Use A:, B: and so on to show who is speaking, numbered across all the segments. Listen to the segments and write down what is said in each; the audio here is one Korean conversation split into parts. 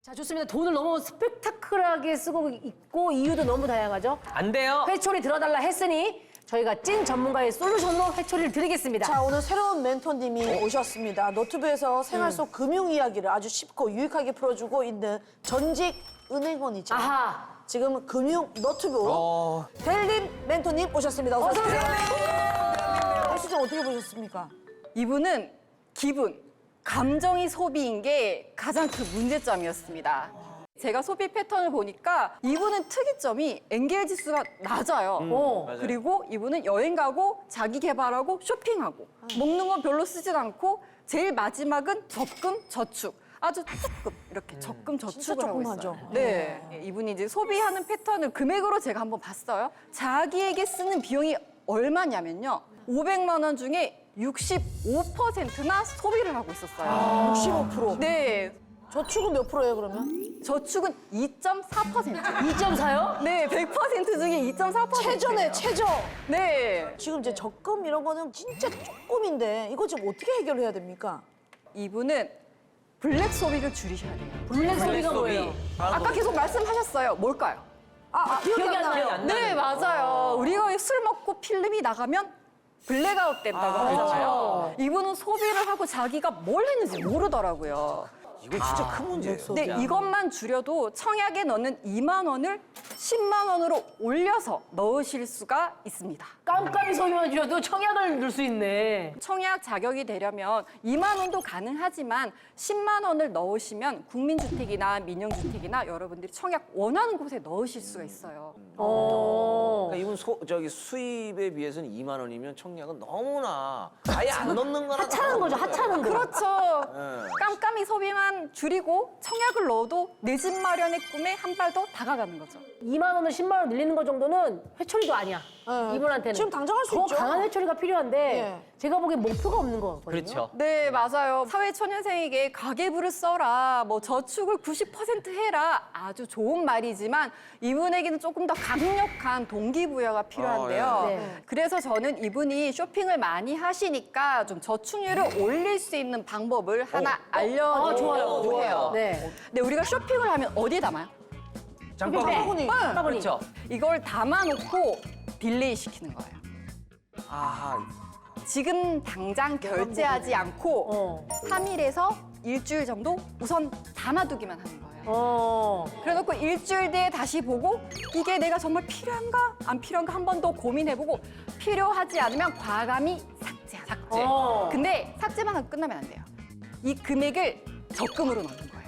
A: 자, 좋습니다. 돈을 너무 스펙타클하게 쓰고 있고 이유도 너무 다양하죠.
B: 안 돼요.
A: 회초리 들어달라 했으니 저희가 찐 전문가의 솔루션으로 회초리를 드리겠습니다.
C: 자, 오늘 새로운 멘토님이 오셨습니다. 노트북에서 생활 속 금융 이야기를 아주 쉽고 유익하게 풀어주고 있는 전직 은행원이죠.
A: 아하.
C: 지금 금융 노트북 델림 멘토님 오셨습니다. 어서 오세요. 혜수님 어떻게 보셨습니까?
D: 이분은 기분, 감정이 소비인 게 가장 그 문제점이었습니다. 제가 소비 패턴을 보니까 이분은 특이점이 엔겔 지수가 낮아요. 그리고 이분은 여행 가고 자기 개발하고 쇼핑하고 먹는 건 별로 쓰진 않고 제일 마지막은 적금, 저축. 아주 조금 이렇게 적금 저축을 하고
C: 조금하죠.
D: 있어요. 네, 이분이 이제 소비하는 패턴을 금액으로 제가 한번 봤어요. 자기에게 쓰는 비용이 얼마냐면요. 500만 원 중에 65%나 소비를 하고 있었어요.
C: 65%.
D: 네,
C: 저축은 몇 프로예요, 그러면?
D: 저축은 2.4%.
A: 2.4요?
D: 네, 100% 중에 2.4%.
C: 최저네, 최저.
D: 네,
C: 지금 이제 적금 이런 거는 진짜 조금인데 이거 지금 어떻게 해결해야 됩니까?
D: 이분은 블랙 소비를 줄이셔야 돼요.
A: 블랙 소비가
B: 소비.
A: 뭐예요?
D: 아까 계속 말씀하셨어요. 뭘까요?
A: 기억이 안 나요.
D: 네, 맞아요. 우리가 술 먹고 필름이 나가면 블랙아웃 된다고 하잖아요. 이분은 소비를 하고 자기가 뭘 했는지 모르더라고요.
B: 이거 진짜 큰 문제예요.
D: 근데 이것만 줄여도 청약에 넣는 2만 원을 10만 원으로 올려서 넣으실 수가 있습니다.
A: 깜깜이 소비만 줄여도 청약을 넣을 수 있네.
D: 청약 자격이 되려면 2만 원도 가능하지만 10만 원을 넣으시면 국민주택이나 민영주택이나 여러분들이 청약 원하는 곳에 넣으실 수가 있어요.
B: 그러니까 이분 수입에 비해서는 2만 원이면 청약은 너무나 아예 안 넣는 거나
A: 하찮은 거죠, 하찮은 거.
D: 그렇죠. 깜깜이 소비만 줄이고 청약을 넣어도 내 집 마련의 꿈에 한 발 더 다가가는 거죠.
A: 2만 원을 10만 원 늘리는 거 정도는 회초리도 아니야.
C: 네.
A: 이분한테는.
C: 지금 당장 할수
A: 더
C: 있죠.
A: 강한 회초리가 필요한데
C: 네.
A: 제가 보기엔 목표가 없는 거 같거든요.
B: 그렇죠.
D: 네, 맞아요. 사회초년생에게 가계부를 써라, 뭐 저축을 90% 해라. 아주 좋은 말이지만 이분에게는 조금 더 강력한 동기부여가 필요한데요.
A: 네.
D: 그래서 저는 이분이 쇼핑을 많이 하시니까 좀 저축률을 올릴 수 있는 방법을 하나 알려드리려고
A: 좋아요.
D: 해요.
A: 네.
D: 근데 우리가 쇼핑을 하면 어디에 담아요?
C: 바구니.
A: 바구니.
B: 그렇죠.
D: 이걸 담아놓고 딜레이 시키는 거예요.
B: 아하.
D: 지금 당장 결제하지 않고 3일에서 일주일 정도 우선 담아두기만 하는 거예요. 그래놓고 일주일 뒤에 다시 보고 이게 내가 정말 필요한가 안 필요한가 한 번 더 고민해보고 필요하지 않으면 과감히 삭제하자. 근데 삭제만 하고 끝나면 안 돼요. 이 금액을 적금으로 넣는 거예요.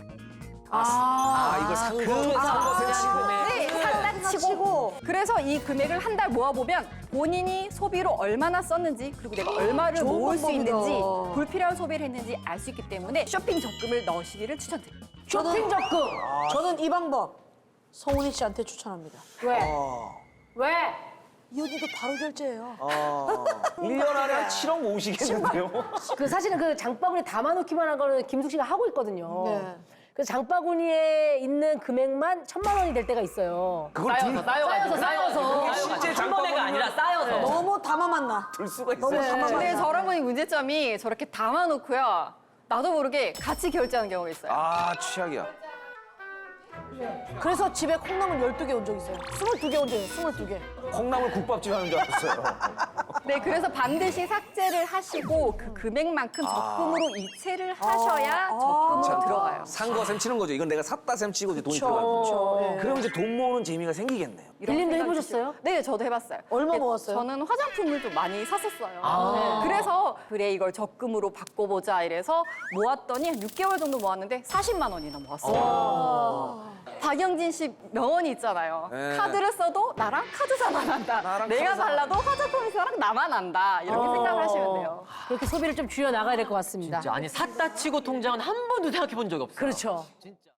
B: 이걸 산거 치고.
D: 네, 산다 치고. 그래서 이 금액을 한 달 모아보면 본인이 소비로 얼마나 썼는지 그리고 내가 얼마를
C: 좋은
D: 모을 수
C: 방법이다.
D: 있는지 불필요한 소비를 했는지 알 수 있기 때문에 쇼핑 적금을 넣으시기를 추천드립니다.
A: 쇼핑 적금.
C: 저는 이 방법 성훈이 씨한테 추천합니다.
A: 왜? 왜?
C: 이 언니도 바로 결제해요.
B: 1년 안에 한 7억 모으시겠는데요?
A: 그 사실은 그 장바구니에 담아놓기만 한 거는 김숙 씨가 하고 있거든요.
C: 네.
A: 그래서 장바구니에 있는 금액만 1,000만 원이 될 때가 있어요.
B: 그걸
A: 쌓여서.
B: 실제 장바구니가 아니라 쌓여서
C: 너무 담아만 나.
B: 들 수가
C: 너무
B: 있어요.
C: 담아만
D: 근데
C: 나.
D: 저런 분이 문제점이 저렇게 담아놓고요. 나도 모르게 같이 결제하는 경우가 있어요.
B: 아, 최악이야.
C: 그래서 집에 콩나물 12개 온 적 있어요. 22개 온 적 있어요. 22개.
B: 콩나물 국밥집 하는 줄 알았어요.
D: 네, 그래서 반드시 삭제를 하시고 그 금액만큼 적금으로 이체를 하셔야 적금으로 들어가요.
B: 산 거 셈 치는 거죠. 이건 내가 샀다 셈 치고 이제 돈이
C: 그쵸.
B: 들어가요.
C: 네.
B: 그럼 이제 돈 모으는 재미가 생기겠네요.
D: 이런
A: 딜림도
D: 생각이
A: 해보셨어요?
D: 드시고. 네, 저도 해봤어요.
C: 얼마
D: 근데
C: 모았어요?
D: 저는 화장품을 좀 많이 샀었어요. 네. 그래서 그래 이걸 적금으로 바꿔보자 이래서 모았더니 한 6개월 정도 모았는데 40만 원이나 모았어요. 박영진 씨 명언이 있잖아요.
B: 네.
D: 카드를 써도 나랑 카드사만 한다. 내가 발라도 화장품사랑 나만 한다. 이렇게 생각을 하시면 돼요.
A: 그렇게 소비를 좀 줄여 나가야 될 것 같습니다.
E: 아니 샀다 치고 통장은 한 번도 생각해 본 적이 없어요.
A: 그렇죠.
E: 진짜.